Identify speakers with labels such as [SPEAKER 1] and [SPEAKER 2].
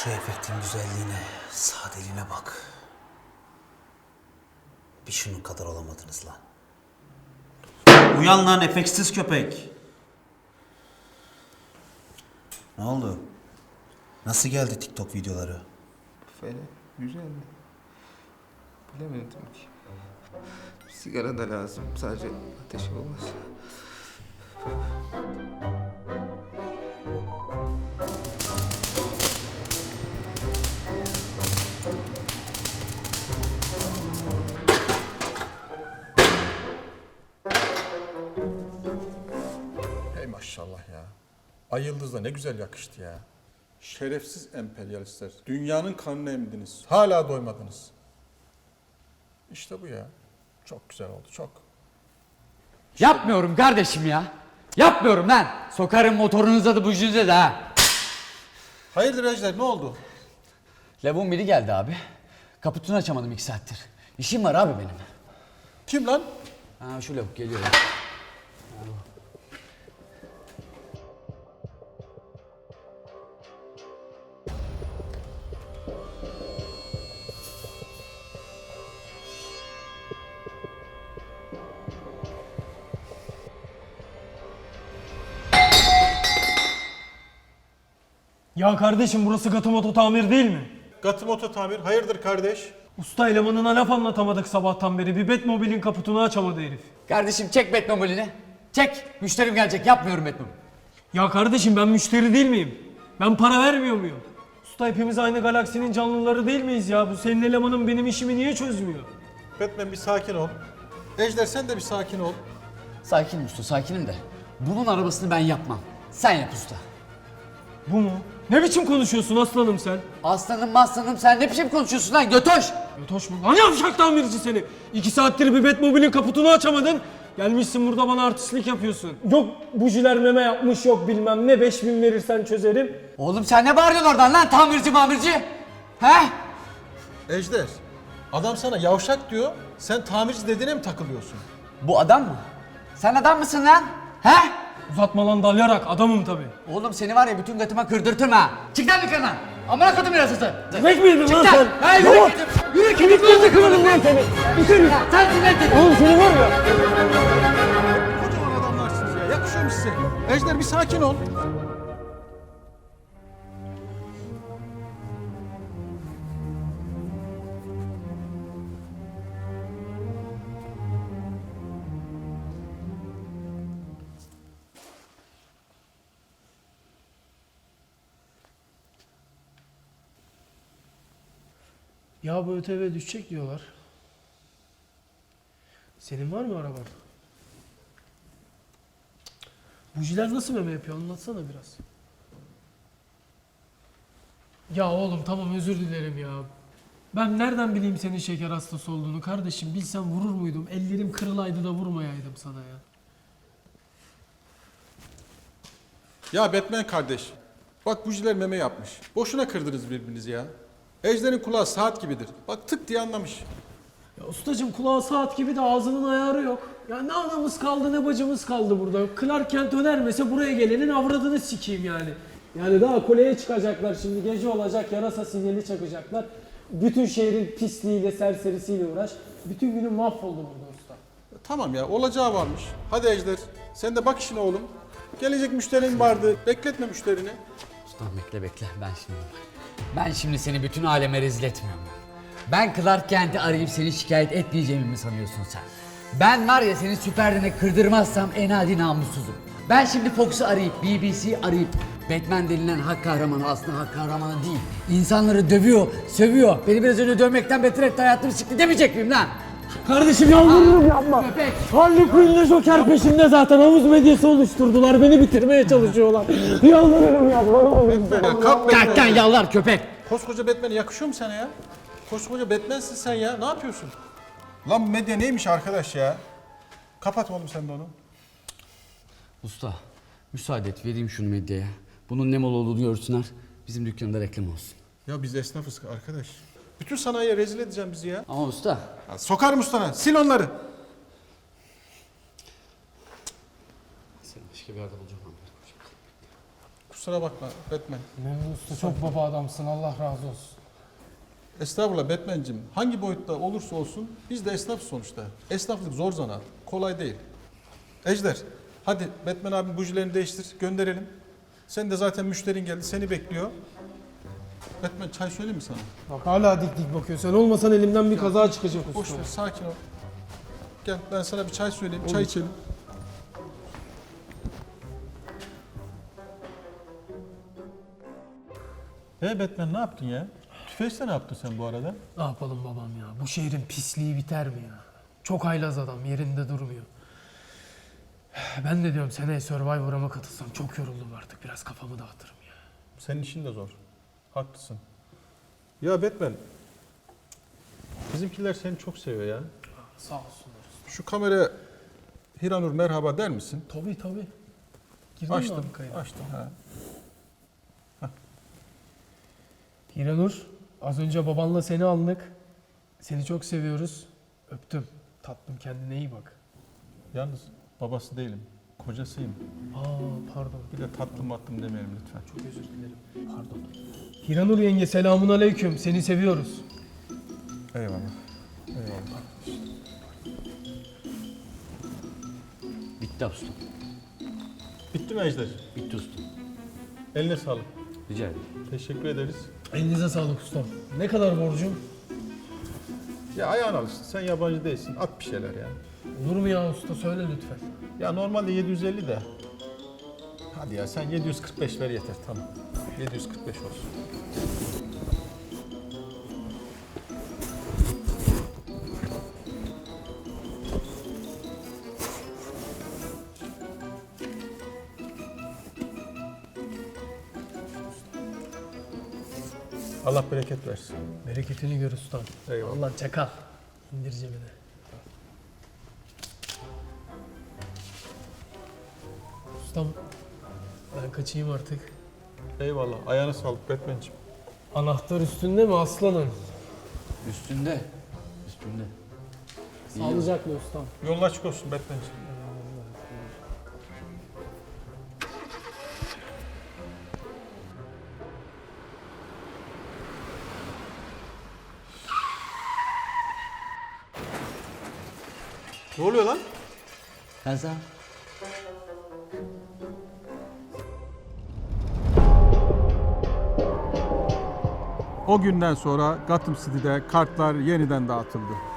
[SPEAKER 1] Şu efektin güzelliğine, sadeliğine bak. Bir şunun kadar olamadınız lan. Uyan lan efektsiz köpek. Ne oldu? Nasıl geldi TikTok videoları?
[SPEAKER 2] Fena, güzeldi. Bilemedim ki. Sigara da lazım, sadece ateş olmaz.
[SPEAKER 3] Hey maşallah ya. Ay Yıldız da ne güzel yakıştı ya. Şerefsiz emperyalistler. Dünyanın kanını emdiniz. Hala doymadınız. İşte bu ya. Çok güzel oldu, çok.
[SPEAKER 4] Yapmıyorum kardeşim ya. Yapmıyorum lan. Sokarım motorunuza da bujunuza da ha.
[SPEAKER 3] Hayırdır Ejder, ne oldu?
[SPEAKER 4] Lavuğun biri geldi abi. Kaputunu açamadım 2 saattir. İşim var abi benim.
[SPEAKER 3] Kim lan?
[SPEAKER 4] Ha şu lavuk geliyor.
[SPEAKER 5] Ya kardeşim burası Gatomoto tamir değil mi?
[SPEAKER 3] Gatimoto tamir. Hayırdır kardeş?
[SPEAKER 5] Usta elemanına laf anlatamadık sabahtan beri. Bir Batmobile'in kaputunu açamadı herif.
[SPEAKER 4] Kardeşim çek Batmobile'ini. Çek. Müşterim gelecek. Yapmıyorum Batmobile.
[SPEAKER 5] Ya kardeşim ben müşteri değil miyim? Ben para vermiyor muyum? Usta hepimiz aynı galaksinin canlıları değil miyiz ya? Bu senin elemanın benim işimi niye çözmüyor?
[SPEAKER 3] Batman bir sakin ol. Ejder sen de bir sakin ol.
[SPEAKER 4] Sakinim usta, sakinim de. Bunun arabasını ben yapmam. Sen yap usta.
[SPEAKER 5] Bu mu? Ne biçim konuşuyorsun aslanım sen?
[SPEAKER 4] Aslanım sen ne biçim konuşuyorsun lan götoş?
[SPEAKER 5] Yotoş mu? Lan yavşak tamirci seni! 2 saattir bir Batmobile'in kaputunu açamadın. Gelmişsin burada bana artistlik yapıyorsun. Yok bujiler meme yapmış yok bilmem ne 5000 verirsen çözerim.
[SPEAKER 4] Oğlum sen ne bağırıyorsun oradan lan tamirci? He?
[SPEAKER 3] Ejder, adam sana yavşak diyor, sen tamirci dediğine mi takılıyorsun?
[SPEAKER 4] Bu adam mı? Sen adam mısın lan? He?
[SPEAKER 5] Uzatma lan dalyarak adamım tabi.
[SPEAKER 4] Oğlum seni var ya bütün götüme kırdırtırım ha. Çık lan dükkandan. Amına kodum yarasısı.
[SPEAKER 5] Demek miydin lan sen?
[SPEAKER 4] Ha yürü git. Yürü git.
[SPEAKER 5] Kemiklerini kırarım lan seni. Bitir.
[SPEAKER 4] Sen dinle dedi.
[SPEAKER 5] Oğlum seni var ya.
[SPEAKER 3] Kocaman adamlarsınız ya, yakışıyor mu size? Ejder bir sakin ol.
[SPEAKER 5] Ya bu ÖTV düşecek diyorlar. Senin var mı araban? Bujiler nasıl meme yapıyor anlatsana biraz. Ya oğlum tamam özür dilerim ya. Ben nereden bileyim senin şeker hastası olduğunu kardeşim bilsem vurur muydum? Ellerim kırılaydı da vurmayaydım sana ya.
[SPEAKER 3] Ya Batman kardeş, bak bujiler meme yapmış. Boşuna kırdınız birbirinizi ya. Ejder'in kulağı saat gibidir. Bak tık diye anlamış.
[SPEAKER 5] Ya ustacım kulağı saat gibi de ağzının ayarı yok. Ya ne anamız kaldı ne bacımız kaldı burada. Clark Kent önermese buraya gelenin avradını sikeyim yani. Yani daha kuleye çıkacaklar şimdi gece olacak yarasa sinyali çakacaklar. Bütün şehrin pisliğiyle serserisiyle uğraş. Bütün günün mahvoldu burada usta.
[SPEAKER 3] Tamam ya, olacağı varmış. Hadi Ejder, sen de bak işine oğlum. Gelecek müşterin vardı, bekletme müşterini.
[SPEAKER 4] Ustam bekle Ben şimdi seni bütün aleme rezil etmiyorum. Ben Clark Kent'i arayıp seni şikayet etmeyeceğimi mi sanıyorsun sen? Ben var ya seni süperdene kırdırmazsam en adi namussuzum. Ben şimdi Fox'u arayıp, BBC'yi arayıp Batman denilen hak kahramanı aslında hak kahramanı değil. İnsanları dövüyor, sövüyor. Beni biraz önce dövmekten beter etti hayatımı sikti demeyecek miyim lan?
[SPEAKER 5] Kardeşim yalvarırım yapma.
[SPEAKER 4] Köpek.
[SPEAKER 5] Harley Quinn'le Joker peşimde zaten havuz medyası oluşturdular. Beni bitirmeye çalışıyorlar. Yalvarırım yapma.
[SPEAKER 3] Ya kalk Batman.
[SPEAKER 4] Kalktan yalvar köpek.
[SPEAKER 3] Koskoca Batman yakışıyor mu sana ya? Koskoca Batman'sin sen ya, ne yapıyorsun? Lan bu medya neymiş arkadaş ya? Kapat oğlum sen de onu.
[SPEAKER 4] Usta, müsaade et vereyim şunu medyaya. Bunun ne mal olduğunu görsünler. Bizim dükkanda reklam olsun.
[SPEAKER 3] Ya biz esnafız arkadaş. Bütün sanayiye rezil edeceğim bizi ya.
[SPEAKER 4] Ama usta.
[SPEAKER 3] Ya sokarım ustana, sil onları.
[SPEAKER 4] Seni başka bir yerde bulacağım.
[SPEAKER 3] Kusura bakma Batman.
[SPEAKER 5] Memnun Usta çok baba adamsın, Allah razı olsun.
[SPEAKER 3] Estağfurullah Batman'cim. Hangi boyutta olursa olsun biz de esnaf sonuçta. Esnaflık zor zanaat. Kolay değil. Ejder, hadi Batman abinin bujilerini değiştir, gönderelim. Sen de zaten müşterin geldi, seni bekliyor. Batman çay söyleyeyim mi sana?
[SPEAKER 5] Bak hala dik dik bakıyor. Sen olmasan elimden bir kaza çıkacak
[SPEAKER 3] Boş
[SPEAKER 5] usta.
[SPEAKER 3] ver, sakin ol. Gel ben sana bir çay söyleyeyim, çay içelim. Batman ne yaptın ya? Tüfeşte ne yaptın sen bu arada?
[SPEAKER 5] Ne yapalım babam ya? Bu şehrin pisliği biter mi ya? Çok haylaz adam, yerinde durmuyor. Ben de diyorum seneye Survivor'a mı katılsam, çok yoruldum artık. Biraz kafamı dağıtırım ya.
[SPEAKER 3] Senin işin de zor. Haklısın. Ya Batman, bizimkiler seni çok seviyor ya.
[SPEAKER 5] Sağ olsunlar.
[SPEAKER 3] Şu kameraya Hiranur merhaba der misin?
[SPEAKER 5] Tabii. Girdin mi
[SPEAKER 3] Açtım,
[SPEAKER 5] abi kayda?
[SPEAKER 3] açtım. Ha.
[SPEAKER 5] Hiranur, az önce babanla seni aldık. Seni çok seviyoruz. Öptüm. Tatlım, kendine iyi bak.
[SPEAKER 3] Yalnız babası değilim, kocasıyım.
[SPEAKER 5] Pardon.
[SPEAKER 3] Bir de tatlım matlım demeyelim lütfen.
[SPEAKER 5] Çok özür dilerim. Pardon. Hiranur yenge, selamun aleyküm. Seni seviyoruz.
[SPEAKER 3] Eyvallah. Eyvallah.
[SPEAKER 4] Bitti ustam.
[SPEAKER 3] Bitti mi Ejder?
[SPEAKER 4] Bitti ustam.
[SPEAKER 3] Eline sağlık.
[SPEAKER 4] Rica ederim.
[SPEAKER 3] Teşekkür ederiz.
[SPEAKER 5] Elinize sağlık ustam. Ne kadar borcum?
[SPEAKER 3] Ya ayağına alıştın. Sen yabancı değilsin. At bir şeyler ya.
[SPEAKER 5] Olur mu ya usta? Söyle lütfen.
[SPEAKER 3] Ya normalde 750 de. Hadi ya sen 745 ver yeter tamam. 745 olsun. Allah bereket versin.
[SPEAKER 5] Bereketini gör ustam.
[SPEAKER 3] Eyvallah.
[SPEAKER 5] Allah çakal. İndir cebine. Ustam, ben kaçayım artık.
[SPEAKER 3] Eyvallah. Ayağına sağlık Batman'cim.
[SPEAKER 5] Anahtar üstünde mi aslanım?
[SPEAKER 4] Üstünde. Üstünde.
[SPEAKER 5] Sağlıcakla ustam.
[SPEAKER 3] Yolun açık olsun Batman'cim. Ne oluyor lan?
[SPEAKER 4] Kaza.
[SPEAKER 3] O günden sonra Gotham City'de kartlar yeniden dağıtıldı.